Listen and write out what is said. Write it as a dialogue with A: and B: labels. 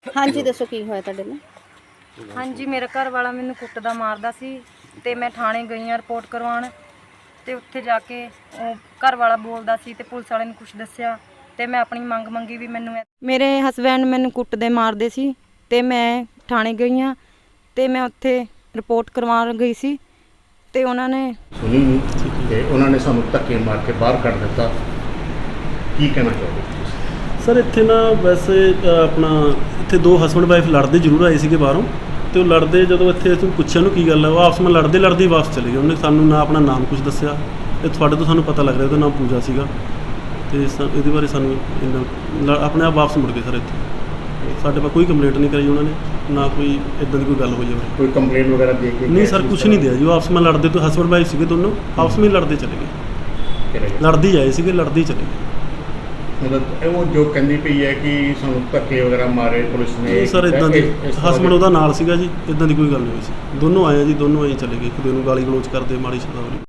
A: ਹਾਂਜੀ ਦੱਸੋ ਕੀ ਹੋਇਆ ਤੁਹਾਡੇ ਨਾਲ।
B: ਹਾਂਜੀ ਮੇਰਾ ਘਰ ਵਾਲਾ ਮੈਨੂੰ ਕੁੱਟਦਾ ਮਾਰਦਾ ਸੀ ਤੇ ਮੈਂ ਥਾਣੇ ਗਈ ਆ ਰਿਪੋਰਟ ਕਰਵਾਉਣ ਤੇ ਉੱਥੇ ਜਾ ਕੇ ਉਹ ਘਰ ਵਾਲਾ ਬੋਲਦਾ ਸੀ ਤੇ ਪੁਲਿਸ ਵਾਲੇ ਨੂੰ ਕੁਝ ਦੱਸਿਆ ਤੇ ਮੈਂ ਆਪਣੀ ਮੰਗ ਮੰਗੀ ਵੀ ਮੈਨੂੰ ਮੇਰੇ ਹਸਬੈਂਡ ਮੈਨੂੰ ਕੁੱਟਦੇ ਮਾਰਦੇ ਸੀ ਤੇ ਮੈਂ ਥਾਣੇ ਗਈ ਆ ਤੇ ਮੈਂ ਉੱਥੇ ਰਿਪੋਰਟ ਕਰਵਾਉਣ ਗਈ ਸੀ ਤੇ ਉਹਨਾਂ ਨੇ
C: ਸੁਣੀ ਨਹੀਂ ਤੇ ਉਹਨਾਂ ਨੇ ਸਾਨੂੰ ਧੱਕੇ ਮਾਰ ਕੇ ਬਾਹਰ ਕੱਢ ਦਿੱਤਾ। ਕੀ ਕਹਿਣਾ ਚਾਹੋਗੇ
D: ਸਰ ਇੱਥੇ ਨਾ ਵੈਸੇ ਆਪਣਾ ਇੱਥੇ ਦੋ ਹਸਬੈਂਡ ਵਾਈਫ ਲੜਦੇ ਜ਼ਰੂਰ ਆਏ ਸੀਗੇ ਬਾਹਰੋਂ ਤੇ ਉਹ ਲੜਦੇ ਜਦੋਂ ਇੱਥੇ ਅਸੀਂ ਪੁੱਛਿਆ ਉਹਨੂੰ ਕੀ ਗੱਲ ਹੈ ਉਹ ਆਪਸ ਵਿੱਚ ਲੜਦੇ ਵਾਪਸ ਚਲੇ ਗਏ। ਉਹਨੇ ਸਾਨੂੰ ਨਾ ਆਪਣਾ ਨਾਮ ਕੁਝ ਦੱਸਿਆ ਤੇ ਤੁਹਾਡੇ ਤੋਂ ਸਾਨੂੰ ਪਤਾ ਲੱਗ ਰਿਹਾ ਉਹਦਾ ਨਾਮ ਪੂਜਾ ਸੀਗਾ ਤੇ ਇਹਦੇ ਬਾਰੇ ਸਾਨੂੰ ਆਪਣੇ ਆਪ ਵਾਪਸ ਮੁੜ ਗਏ ਸਰ। ਇੱਥੇ ਸਾਡੇ ਕੋਲ ਕੋਈ ਕੰਪਲੇਂਟ ਨਹੀਂ ਕਰਾਈ ਉਹਨਾਂ ਨੇ ਨਾ ਕੋਈ ਇਦਾਂ ਦੀ ਕੋਈ ਗੱਲ ਹੋਈ ਹੋਵੇ।
C: ਕੋਈ ਕੰਪਲੇਂਟ ਵਗੈਰਾ ਦੇ ਕੇ
D: ਨਹੀਂ ਸਰ ਕੁਝ ਨਹੀਂ ਦਿਆ ਜੀ। ਉਹ ਆਪਸ ਵਿੱਚ ਲੜਦੇ ਤੋਂ ਹਸਬੈਂਡ ਵਾਈਫ ਸੀਗੇ ਦੋਨੋਂ ਆਪਸ ਵਿੱਚ ਲੜਦੇ ਚਲੇ ਗਏ ਲੜਦੇ ਹੀ ਆਏ ਸੀਗੇ ਲੜਦੇ ਹੀ ਚਲੇ ਗਏ।
C: ਮਤਲਬ ਉਹ ਜੋ ਕਹਿੰਦੀ ਪਈ ਹੈ ਕਿ ਸਾਨੂੰ ਧੱਕੇ ਵਗੈਰਾ ਮਾਰੇ ਪੁਲਿਸ ਨੇ
D: ਸਰ ਇਦਾਂ ਦੀ ਹਸਬੈਂਡ ਉਹਦਾ ਨਾਲ ਸੀਗਾ ਜੀ। ਇਦਾਂ ਦੀ ਕੋਈ ਗੱਲ ਨਹੀਂ ਹੋਈ ਸੀ। ਦੋਨੋਂ ਆਏ ਆ ਜੀ ਦੋਨੋਂ ਆਏ ਚਲੇ ਗਏ ਇੱਕ ਦੂਜੇ ਨੂੰ ਗਾਲੀ ਗਲੋਚ ਕਰਦੇ ਮਾੜੀ ਸ਼ਬਦਾਵਲੀ।